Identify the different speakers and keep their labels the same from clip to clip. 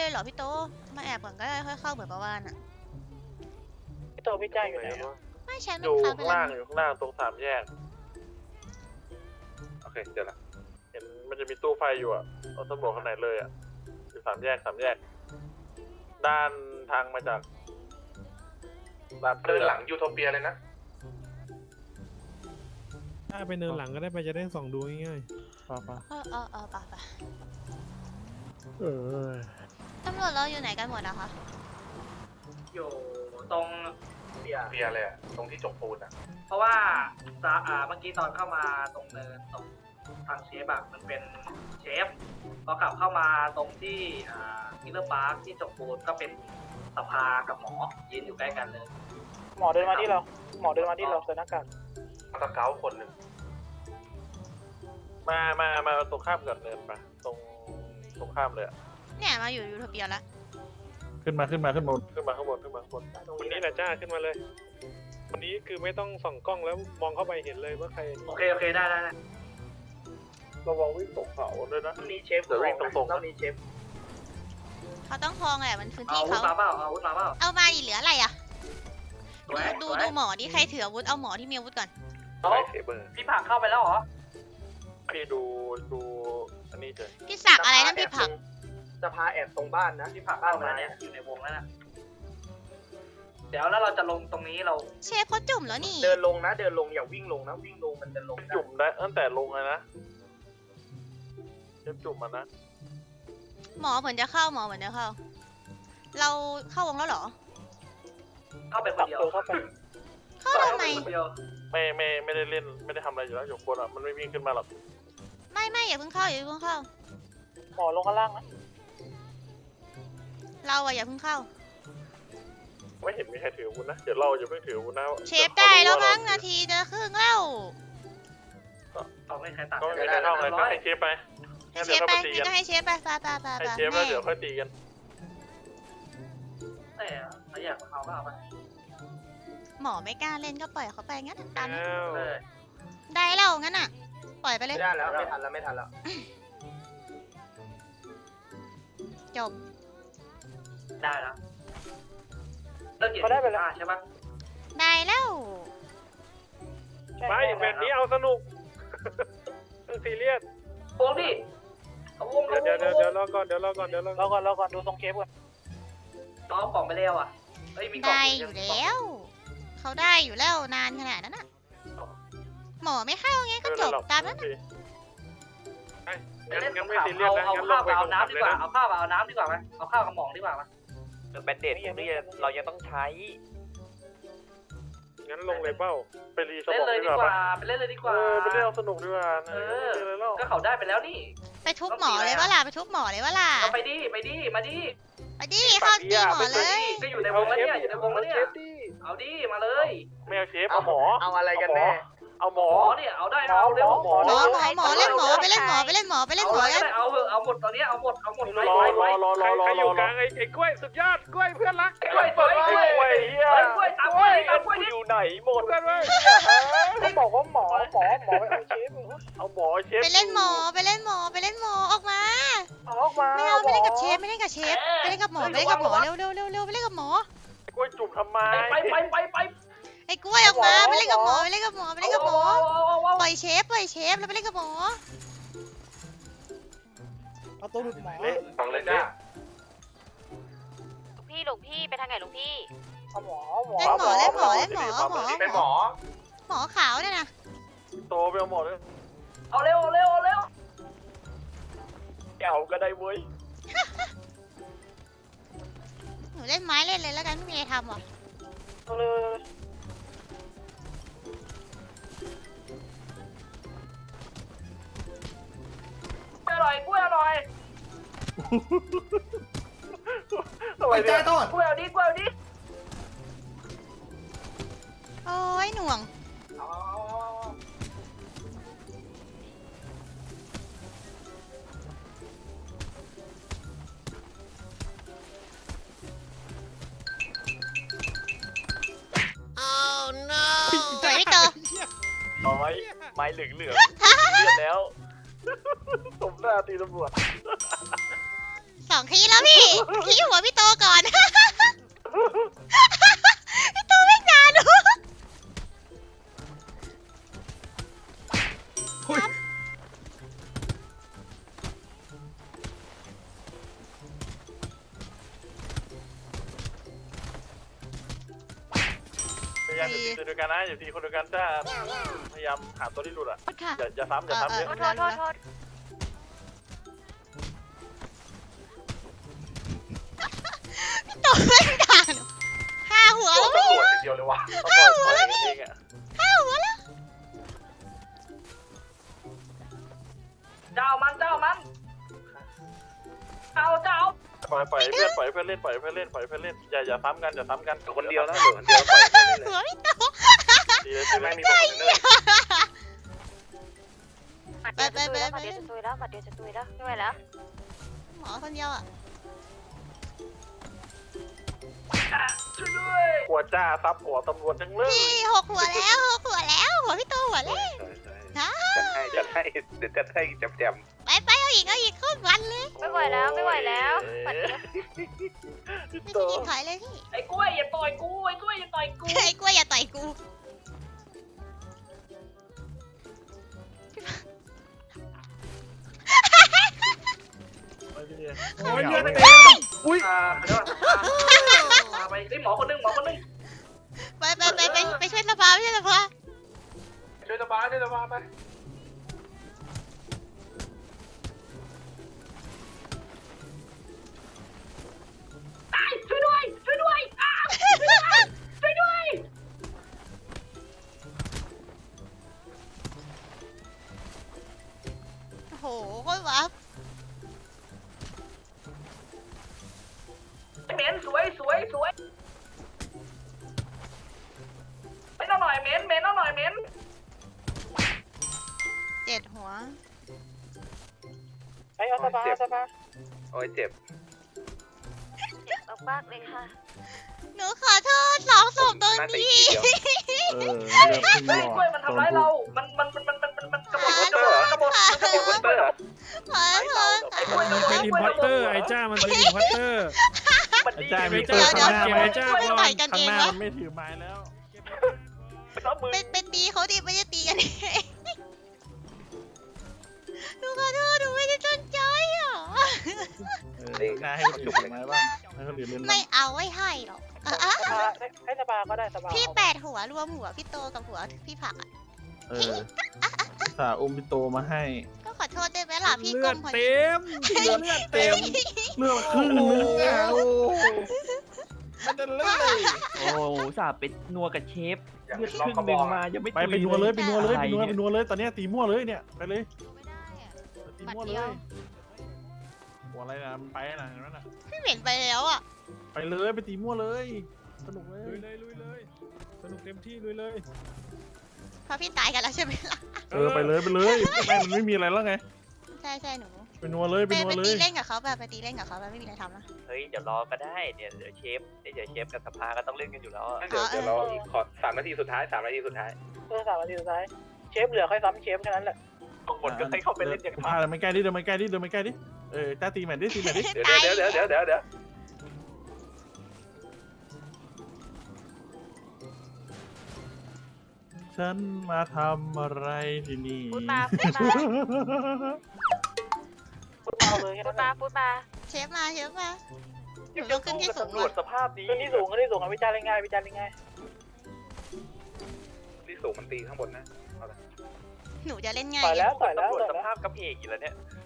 Speaker 1: เลยเหรอพี่โตมาแอบก่อนก็ได้ค่อยเข้าเหมือนประวานอ่ะ
Speaker 2: พี่โตพี่จ้าอยู่ไหน
Speaker 1: ไม่ใช่
Speaker 3: อ
Speaker 1: ไม่
Speaker 3: ยู่
Speaker 1: ค้างไป
Speaker 3: ข้าง
Speaker 1: แล้
Speaker 3: ล่าว งอยู่ข้างล่างตรงสามแยกโอเคเดี๋ยวละเห็นมันจะมีตู้ไฟอยู่อ่ะเอาตำรวจข้างในเลยอ่ะอยู่สามแยกด้านทางมาจากด้าน
Speaker 4: เดินหลังยูโทเปียเลยนะ
Speaker 5: ถ้าไปเนินหลังก็ได้ไปจะได้ส่องดูง่ายๆป่ะ
Speaker 1: ป่ะ
Speaker 5: เออ
Speaker 1: ตำรวจเราอยู่ไหนกันหมดอะคะ
Speaker 2: อยู่ตรงเบียร์
Speaker 4: เปียเลยอะตรงที่จกปูนอะ
Speaker 2: เพราะว่าเมื่อกี้ตอนเข้ามาตรงเนินตรงทางเชฟอะมันเป็นเชฟพอกลับเข้ามาตรงที่มิลเลอร์พาร์คที่จบปูนก็เป็นสภากับหมอยืนอยู่ใกล้กันเลย
Speaker 6: หมอเดินมาที่เราใส่หน้ากาก
Speaker 4: มาตะเกาคนหนึ่ง
Speaker 3: มาตรงข้ามกับเนินปะตรงข้ามเลยอ่ะ
Speaker 1: เนี่ยมาอยู่ยูโทเปียแล้ว
Speaker 3: ขึ้นมาข้างบน
Speaker 5: วันนี้แหละจ้าขึ้นมาเลย วันนี้คือไม่ต้องส่องกล้องแล้วมองเข้าไปเห็นเลยว่าใคร
Speaker 2: โอเคได้
Speaker 3: ระวังวิ่งตกเขาด้วยนะ
Speaker 2: ต้องมีเชฟ
Speaker 3: เดี๋ยววิ่งตรงๆนะ
Speaker 2: ต้องมีเชฟ
Speaker 1: เขาต้องคลองแหละมันพื้น
Speaker 2: เอา
Speaker 1: ที่
Speaker 2: อาวุธ
Speaker 1: เขา
Speaker 2: มาเปล่าเอาอาวุธมาเปล่า
Speaker 1: เอามาอีกเหลืออะไรอะ
Speaker 2: สวย
Speaker 1: ดู
Speaker 2: สวย
Speaker 1: ดูหมอดิใครถืออาวุธเอาหมอที่มีอาวุธก่อน
Speaker 3: ไลท์เซเบอร์
Speaker 2: พี่ผักเข้าไปแล้วเหรอ
Speaker 3: พี่ดูอันนี้เจอ
Speaker 1: พี่สักอะไรนั่นพี่ผัก
Speaker 6: สภาแอบตรงบ้านนะ
Speaker 2: พี่ผักเข้าไปแล้วเนี่ยอยู่ในวงแล้วนะเดี๋ยวแล้วเราจะลงตรงนี้เรา
Speaker 1: เชฟเขาจุ่มแล้วนี่
Speaker 6: เดินลงอย่าวิ่งลงนะวิ่งลงมันจะลงได้
Speaker 3: จุ่มได้ตั้งแต่ลงเลยนะเจ็บจุ่มมันนะ
Speaker 1: หมอเหมือนจะเข้า เราเข้าวงแล้วเหรอ
Speaker 2: เข้าไปค
Speaker 6: ตั
Speaker 2: น
Speaker 6: บ
Speaker 2: เดียว
Speaker 6: ตัวเข้าไป
Speaker 1: เข้าทำไม
Speaker 2: คนเดียว
Speaker 3: ไม่ได้เล่นไม่ได้ทำอะไรอยู่แล้วอยู่บนอ่ะมันไม่วิ่งขึ้นมาหรอก
Speaker 1: ไม่อย่าเพิ่งเข้า
Speaker 6: หมอลงข้างล่างนะ
Speaker 1: เราอะอย่าเพิ่งเข้า
Speaker 3: ไม่เห็นมีใครถืออาวุธนะเดี๋ยวเราอย่าเพิ่งถืออาวุธนะ
Speaker 1: เชฟได้แล้วมั้งนาทีจะครึ่งแล้ว
Speaker 2: เอาไม่ใครตัด
Speaker 3: ก็ไม่ได้เข้าไงก็ให้เชฟไป
Speaker 1: ให้
Speaker 3: งั้น
Speaker 1: เช
Speaker 3: เดี๋ยว
Speaker 1: ฟ
Speaker 3: ค่อย
Speaker 1: ไป
Speaker 3: มาตี
Speaker 1: งั้น
Speaker 3: กัน
Speaker 1: ก็ให้เชฟไปไป
Speaker 3: ให้เชฟแล้วเดี๋ยวค่อยตีกัน
Speaker 2: แต่ถ้าอยากเอาก็เอาไป
Speaker 1: หมอไม่กล้าเล่นก็ปล่อยเขาไปงั้นตามนั้น
Speaker 5: แล้ว
Speaker 2: เลย
Speaker 1: ได้แล้วงั้นอะปล่อยไปเลย
Speaker 6: ไม่ได้แล้วไม่ทันแล้ว
Speaker 1: จบ
Speaker 2: ได้แล้วเลิกเก็บใช่ปะ
Speaker 1: ได้แล้ว
Speaker 5: ไปแบบนี้เอาสนุกต้องซีเรียส
Speaker 2: วงดิเอาวง
Speaker 5: เดี๋ยวรอก่อน
Speaker 6: รอก่อนดูทรงเคปก่อน
Speaker 2: น้องกล่องไปแล้วอ่ะเฮ้ยมีกล่อง
Speaker 1: ได้อยู่แล้วเขาได้อยู่แล้วนานขนาดนั้นอะหมอไม่เข้าไงก็จบตามนั้น
Speaker 5: งั้นไม่ซีเรียสนะ
Speaker 2: เอา
Speaker 5: งั้นล
Speaker 2: ข้าว
Speaker 5: งไป
Speaker 2: กับ
Speaker 5: ตร
Speaker 2: เอา
Speaker 5: ง
Speaker 2: น้ำ
Speaker 5: ขับ
Speaker 2: ดี
Speaker 5: เลย
Speaker 2: กว่า
Speaker 5: นะ
Speaker 2: เอาข้าวกับเอาน้ำดีกว่าไหมเอาข้าวกับหมองดีกว่าไหม
Speaker 7: แบนเดตนี่เรายังต้องใช้
Speaker 5: งั้นลงเลยเป้า
Speaker 3: ไปรีส
Speaker 2: เล่
Speaker 3: ม
Speaker 2: น
Speaker 3: อง
Speaker 2: เลย
Speaker 3: ดี
Speaker 2: ดี
Speaker 3: ก
Speaker 2: ก
Speaker 3: ว่า
Speaker 2: ว่า
Speaker 3: ปะ
Speaker 2: ไปเล่นเลยดีกว่า
Speaker 3: ไปเล่นเอาสนุกดีกว่านะอะไรเล่า
Speaker 2: ก็เขาได้ไปแล้วนี่
Speaker 1: ไปทุบหมอเลยว่าล่ะไปทุบหมอเลยว่าล่ะ
Speaker 2: เอาไปดิมาดิ
Speaker 1: ไปดิเข้าตีหมอเลย
Speaker 2: ก็อยู่ในวงแล้วเนี่ยอยู่ในวงแล้วเนี่ย
Speaker 5: เชฟดิ
Speaker 2: เอาดิมาเลย
Speaker 3: ไม่เอาเชฟเอาหมอ
Speaker 6: เอาอะไรกันแน่
Speaker 3: เอาหมอ
Speaker 2: หมอเนี่ยเอาได้เอาเร็ว
Speaker 1: หมอเล่นหมอไปเล่นหมอกัน
Speaker 2: เอาเถอะเอาหมดตอนนี้เอาหมดไป
Speaker 3: รอ
Speaker 2: ไป
Speaker 3: ร
Speaker 2: ไป
Speaker 3: อรอรอรอ
Speaker 5: ใคร
Speaker 3: ร
Speaker 5: อยู่
Speaker 3: อก
Speaker 5: ลางไอ้กล้วยสุดยอดกล้วยเพื่อนรัก
Speaker 2: กล้วยสวย
Speaker 3: ไอ้กล้วยเฮีย
Speaker 2: กล้วยตามกล้วยตามกล้วยนี่
Speaker 7: อยู่ไหนหมด
Speaker 5: เพื่อนเว้ย
Speaker 6: เขาบอกว่าหมอไปเอาเชฟ
Speaker 3: เอาหมอเชฟ
Speaker 1: ไปเล่นหมอออกมา
Speaker 6: ออกมา
Speaker 1: ไม่เอาไม่เล่นกับเชฟไปเล่นกับหมอเร็วไปเล่นกับหมอ
Speaker 3: กล้วยจุ่มทำไม
Speaker 2: ไป
Speaker 1: ไอ้กล้วยออกมาไปเล่นกับหมอปล่อยเชฟแล้วไปเล่นกับหมอ
Speaker 6: เอาตัวหลุดหมอ
Speaker 3: เละฟังเลยจ้า
Speaker 8: หลวงพี่ไปทางไหนหลวงพี่
Speaker 6: เอาหมอ
Speaker 1: เล่นหมอ
Speaker 4: เป็นหมอ
Speaker 1: หมอขาวเนี่ยนะ
Speaker 3: โตไปเอาหมอเลย
Speaker 2: เอาเร็ว
Speaker 7: แก้วก็ได้เว้ย
Speaker 1: หนูเล่นไม้เล่นเลยแล้วกันไม่มีอะไรทำหรอ
Speaker 6: เอาเลย
Speaker 2: กล้วยอร่อย
Speaker 3: ไปใจต้น
Speaker 2: กล้วยเอาดิ
Speaker 1: โอ้ยหน่วงสวยพี่เตอ
Speaker 7: น้อยไม้เหลืองเลือดแล้ว
Speaker 3: สมหน้าตีตำรวจ
Speaker 1: ส 2 คีย์แล้วพี่ คีย์หัวพี่โตก่อน พี่โตไม่นานหนู
Speaker 3: พยายามอย่าตีตัวเดียวกันนะอย่าตีคนเดียวกันจ้าพยายามหาตัวที่หลุดอ่ะ
Speaker 1: ค่ะ
Speaker 3: อย่าซ้ำอย่าซ้ำเยอะ
Speaker 1: โทษพี่โตไม่นานหนู5 หัวแล้วพี่
Speaker 4: ตำรวจอย่างเดียวเลยวะ
Speaker 3: ต้องบอกตัวเองอ่ะ
Speaker 1: 5 หัวแล้ว
Speaker 2: เจ้ามันเจ้า
Speaker 3: ปล่อยเพื่อนปล่อยเพื่อนเล่นปล่อยเพื่อนเล่นปล่อยเพื่อนเล่นอย่าซ้ำกันอย่าซ้ำกันคนเดียวนะคนเดียวปล่อยเพื่อนเล่น
Speaker 1: หัวพี่โต
Speaker 3: ดีเลยใช่ไหมมีบอกเนอร์
Speaker 1: ไป
Speaker 8: เดี๋ยวจะตุยแล้วไม่ไหวแล้ว
Speaker 1: หมอคนเดียวอ่ะ
Speaker 2: ช่วยด้วย
Speaker 3: หัวจ้าซับหัวตำรวจจังเลย
Speaker 1: พี่6 หัวแล้ว6 หัวแล้ว หัวพี่โตหัวแรก
Speaker 3: จัดให้เดี๋ยวจัดให้แจม
Speaker 1: ไปเอาอีกโคตรวันเลย
Speaker 8: ไม่ไหวแล้วปัดเดียว
Speaker 1: ไม่ได้ยินถอยเลยพี่
Speaker 2: ไอ้กล้วยอย่าต่อยกูไอ้กล้วยอย่าต่อยกู
Speaker 1: ไอ้กล้วยอย่าต่อยกู
Speaker 3: โอ้ยเลือดเต็ม
Speaker 2: อุ้ยเดี๋ยวมาไปไอ้หมอคนนึง
Speaker 1: ไปช่วยสภาไปช่วยสภา
Speaker 4: ช่วยสบายไป
Speaker 2: ช่วยด้วยอ้าวช่วยด้วย
Speaker 1: โอ้โหโคตรวับ
Speaker 2: เหม็นสวยไม่ต้องหน่อยเหม็นต้องหน่อยเหม็น
Speaker 1: 7 หัว
Speaker 6: ไอ้เอาสภา
Speaker 3: โอ้ยเจ็บ
Speaker 8: มากเลยค่ะ
Speaker 1: หนูขอโทษ2 ศพตรงนี้
Speaker 3: เออ
Speaker 2: เฮ้ยกล้วยมันทำร้ายเรา มันกระโดด
Speaker 1: ขอโทษ
Speaker 2: ขไอ้กล้วย
Speaker 5: มันเป็นอินพอร์เตอร์ไอ้จ้ามันเป็นอินพอร์เตอร์
Speaker 3: ไอ้จ้า
Speaker 5: ไอ้
Speaker 3: มี
Speaker 5: จ้า
Speaker 3: เปิดข้างหน้า
Speaker 5: เก็บไอ้จ้าก่อน
Speaker 1: ต่อยกัน
Speaker 3: ข้า
Speaker 1: เอง ง
Speaker 3: หน้าว
Speaker 1: ะ
Speaker 3: มันไม่ถือไม้แล้ว
Speaker 1: เป็นตีเขาดิไม่ได้ตีกันเองหนูขอโทษหนูไม่ได้ตั้งใจอ่ะ
Speaker 3: หน้าให้เขาจุกไม้บ้างให้เขาเหลือเล่น
Speaker 1: ไม่เอาไว้ให้หรอก
Speaker 6: ให้สภาก็ได้สภา
Speaker 1: พี่8 หัวรวมหัวพี่โตกับหัวพี่ผักอ่ะ
Speaker 3: สาอุ้มพี่โตมาให้
Speaker 1: ก็ขอโทษได้ไหมล่ะพี่
Speaker 5: เลื
Speaker 1: กล
Speaker 5: อด
Speaker 1: มคน
Speaker 5: เต็มเลือดเต็ม
Speaker 3: เลือกครึ่งนึงโอ้ไม่ได้เลย
Speaker 7: โอ้สาเป็นนัวกับเชฟ
Speaker 4: อย่าง
Speaker 7: เลือด
Speaker 4: ที่
Speaker 7: ค
Speaker 4: เรา
Speaker 7: รึ่ง
Speaker 4: เขา
Speaker 7: ห
Speaker 4: บ
Speaker 7: นึ่
Speaker 4: อง ก
Speaker 7: มายังไม่
Speaker 3: ไปนัวเลยไปนัวเลยตอนนี้ตีมั่วเลยเนี่ยไปเลย
Speaker 1: ไม่ได้อ่ะ
Speaker 3: ตีมั่วเลยหัวอะไรนะมันไปนะเห็นไหมน่ะ
Speaker 1: พี่เหม็นไปแล้วอ่ะ
Speaker 3: ไปเลยไปตีมั่วเลยสนุกเล
Speaker 5: ลุ
Speaker 3: ย
Speaker 5: ยเลยสนุกเต็มที่ลุยเลย
Speaker 1: เพราะพี่ตายกันแล้วใช่ไหมล่ะ
Speaker 3: ไปเลยไม่มันไม่มีอะไรแล้วไง
Speaker 1: ใช่หนู
Speaker 3: ไปนัวเลยไป
Speaker 1: ไป
Speaker 3: นัวเล
Speaker 1: ตี
Speaker 3: ย
Speaker 1: เล่นกับเขาแบบไปตีเล่นกับเขาแบบไม่มีอะไรทำนะ
Speaker 7: เฮ้ยเดี๋ยวรอก็ได้เดี๋ยวเชฟกับสภาก็ต้องเล่นกันอยู่แล้วอะ
Speaker 3: เดี๋ยวเราอีกขอ3 นาทีสุดท้าย 3 นาทีสุดท้าย
Speaker 6: 3 นาทีสุดท้ายเชฟเหลือค่อยซ้ำเชฟแค่นั้นแหละ
Speaker 7: ทุกคนก็ให้เข้าไปเล่นอย่าง
Speaker 3: พาเดินมาใกล้ดิเดินมาใกล้ดิต้าตีแมนดิ
Speaker 1: เดี๋ยว
Speaker 3: ฉันมาทำอะไรที่นี่
Speaker 8: พูดมาพูดมา
Speaker 1: เชฟมาหนูต้องขึ้นที่สูง
Speaker 7: ตำรวจสภาพนี้
Speaker 6: ขึ้นที่สูงอ่ะวิจารณ์ง่าย
Speaker 3: ที่สูงมันตีข้างบนนะ
Speaker 1: หนูจะเล่นง่าย
Speaker 6: ต่อยแล้ว
Speaker 7: ตำรวจสภาพกระเพกอยู่แล้วเนี่ย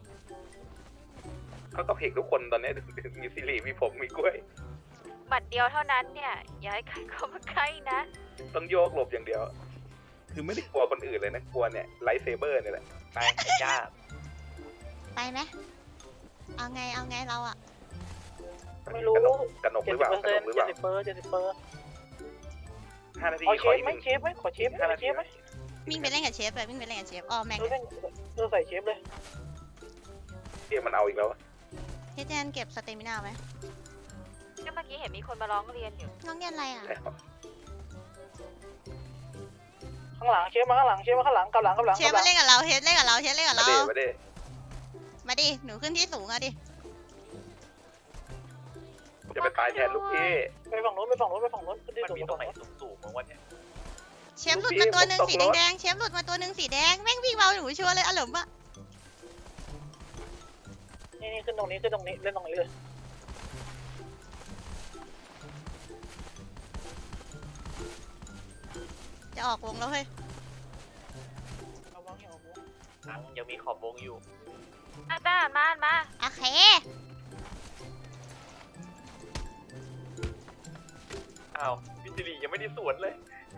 Speaker 3: เขาก็เพกทุกคนตอนนี้มีซิริมีผมมีกล้วย
Speaker 8: บัตรเดียวเท่านั้นเนี่ยอย่าให้ใครเข้ามาใกล้นะ
Speaker 3: ต้องโยกหลบอย่างเดียว คือไม่ได้กลัวคนอื่นเลยนะกลัวเนี่ยไลท์เซเบอร์เนี่ยแหละ
Speaker 7: ไปไอ้จ้า
Speaker 1: ไปไหมเอาไงเราอ่ะ
Speaker 6: ไม่รู้
Speaker 3: กระหนกหรือเปล่ากระหนกหรือเปล่า
Speaker 6: 70%
Speaker 3: 5 นาที
Speaker 6: เอาเช
Speaker 3: ขอ
Speaker 6: ฟ
Speaker 3: อีก
Speaker 6: ไหมเชฟไหมขอเชฟ
Speaker 3: 5 นาที
Speaker 6: ไหม
Speaker 1: วิ่งไปเล่นกับเชฟเลยวิ่งไปเล่นกับเชฟแม่ง
Speaker 6: ใส่เชฟเลย
Speaker 3: เดี๋ยวมันเอาอีกแล้ว
Speaker 1: เฮเจนเก็บสเตมินาไหม
Speaker 8: ก็เมื่อกี้เห็นมีคนมาร้องเรียนอยู่
Speaker 1: น้องเรียนอะไรอ่ะ
Speaker 6: ข้างหลังเชฟมาข้างหลังกับหลัง
Speaker 1: เชฟมาเล่นกับเราเฮดเล่นกับเรา
Speaker 3: มาเด้
Speaker 1: มาดิหนูขึ้นที่สูงอ่ะดิ
Speaker 4: จะไปตายแทนลูกพี่
Speaker 6: ไปฝั่งโน้นไปฝั่งโน้นไปฝั่งโน้นขึ้นที่
Speaker 7: มัน
Speaker 6: สูง
Speaker 7: มี
Speaker 6: ไป
Speaker 7: ตรง
Speaker 6: ฝั่ง
Speaker 7: ไหน
Speaker 6: โน้น
Speaker 7: สูงๆมั้งวะเนี่ย
Speaker 1: เชฟหลุดมาตัวหนึ่งสีแดงๆเชฟหลุดมาตัวหนึ่งสีแดงแม่งวิ่งเบาหนูชัวร์เลยอารมณ์อะ
Speaker 6: นี่ขึ้นตรงนี้ขึ้นตรงนี้เล่นตรงนี้เลย
Speaker 1: จะออกวงแล้วเฮ้ย
Speaker 6: เอาวางให้ออกวง
Speaker 7: ยังมีขอบวงอยู่
Speaker 8: ด้านมา
Speaker 1: โอเค
Speaker 7: อ้าวพี่สิริยังไม่ได้สวนเลย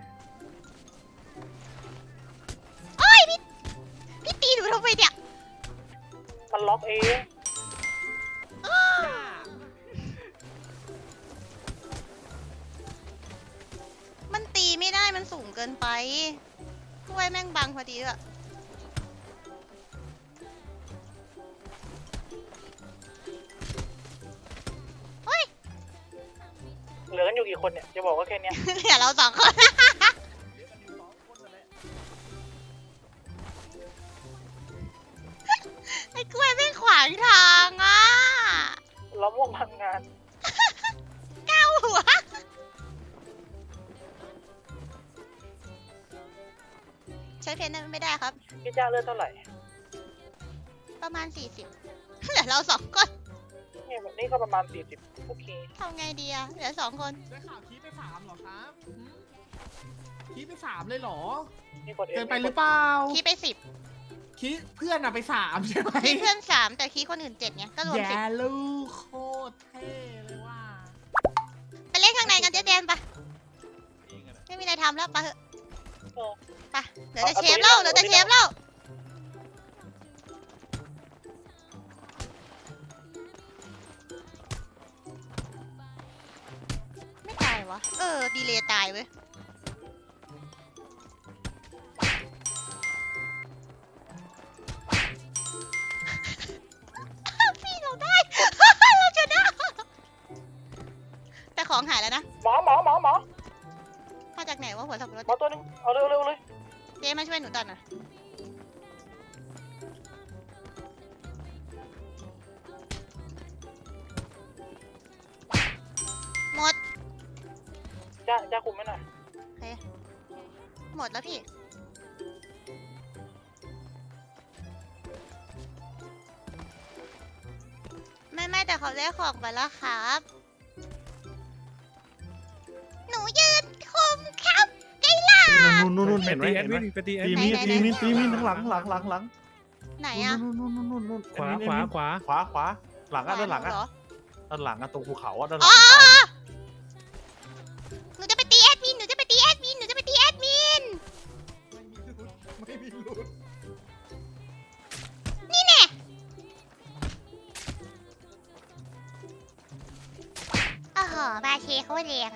Speaker 1: โอ้ยพี่ตีหนูทำไมเนี่ย
Speaker 6: มันล็อกเอง
Speaker 1: มันตีไม่ได้มันสูงเกินไปกล้วยแม่งบังพอดีด้วย
Speaker 6: เหลือกันอยู่กี่คนเนี่ยจะบอกว่าแค่เนี้ย
Speaker 1: เดี๋ยวเราสองคน ไอ้กล้วยไม่งขวางทางอ่ะ
Speaker 6: เราม่วงทำงาน
Speaker 1: ก้าวหัว ใช้เพนนั้นไม่ได้ครับ
Speaker 6: พี่จ้าเลือดเท่าไหร่
Speaker 1: ประมาณ 40 เหลือเราสองคน
Speaker 6: เนี่ยแบบนี้ก็ประมาณ40โอเค
Speaker 1: ทำไงดีอะเหลือสองคน
Speaker 9: ได้ข่าวคีไป3เหรอครับคีไป3เลยเหรอ
Speaker 6: นี่กด
Speaker 9: เกินไปหรือเปล่า
Speaker 1: คีไป
Speaker 9: คีเพื่อนอะไป3ใช่ไหม
Speaker 1: 10คีเพื่อน 3 แต่คีคนอื่น 7ไงก็รวม
Speaker 9: แย่ลูกโคตรเท่เลยว่า
Speaker 1: 10 ไปเล่นข้างในกันเจ๊แดนปะไม่มีอะไรทำแล้วปะเหอะไปเหลือแต่เชฟเล่าเหลือแต่เชฟเล่าไม่ตายวะดีเลยตายเว้ยพี่เราได้ เราชนะแต่ของหายแล้วนะ
Speaker 6: หมอ
Speaker 1: มาจากไหนวะหัวสับปะรด
Speaker 6: หมอตัวนึงเอาเร็วเลย
Speaker 1: เจ๊มาช่วยหนูตัดหน่อยหมด
Speaker 6: จ้าคุมไม่หน่อย
Speaker 1: หมดแล้วพี่ ไม่แต่เขาได้ของไปแล้วครับ หนูยืนคุมครับไกล่ะ
Speaker 10: นู่นเห็นไหมเห็นไหม
Speaker 5: ไปตีแอด
Speaker 10: ตี
Speaker 5: มิ
Speaker 10: มี
Speaker 5: น
Speaker 10: ตีมีทั้งหลัง
Speaker 1: ไหนอะ
Speaker 10: นู่น
Speaker 5: ขวาขวาขวา
Speaker 10: ขวาหลังอ่ะด้านหลังอ่ะ
Speaker 1: เหรอ
Speaker 10: ด้านหลังอ่ะตรงภูเขาอ่ะด้านหลั
Speaker 1: อ๋
Speaker 10: ง
Speaker 1: อหนูจะไปตีแอดมิน หนูจะไปตีแอดมิน หนูจะไปตีแอดมิน
Speaker 9: ไม่มีลุ้น
Speaker 1: นี่แน่โอ้โหบาเชเขาแรง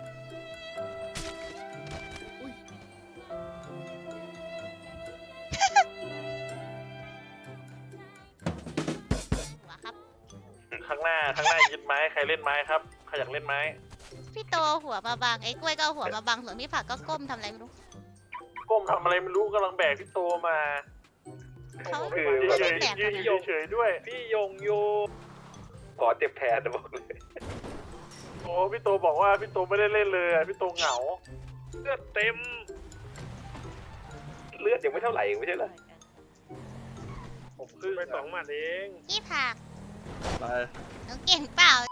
Speaker 1: หัวครับ
Speaker 3: ข้างหน้ายึดไม้ใครเล่นไม้ครับใครอยากเล่นไม้
Speaker 1: พี่โตหัวมาบังไอ้กล้วยก็เอาหัวมาบังส่วนพี่ผักก็ก้มทำอะไรไม่รู้
Speaker 3: ก้มทำอะไรไม่รู้กำลังแบกพี่โตมา
Speaker 1: เขา
Speaker 3: คือ
Speaker 1: ไม่
Speaker 3: เฉ
Speaker 1: ได้
Speaker 3: ย
Speaker 1: แบก
Speaker 3: ยื
Speaker 1: มาน นะ
Speaker 3: เฉยด้วย
Speaker 5: พี่ยงโย
Speaker 4: ขอเจ็บแทนนะบอกเลย
Speaker 3: โอ้พี่โตบอกว่าพี่โตไม่ได้เล่นเลยอะพี่โตเหงา
Speaker 5: เลือดเต็ม
Speaker 4: เลือดยังไม่เท่าไหร่ไม่ใช่เหรอ
Speaker 5: ผมขึ้นไป2 หมัดเอง
Speaker 1: พี่ผัก
Speaker 10: ไป
Speaker 1: หนูเก่งเปล่า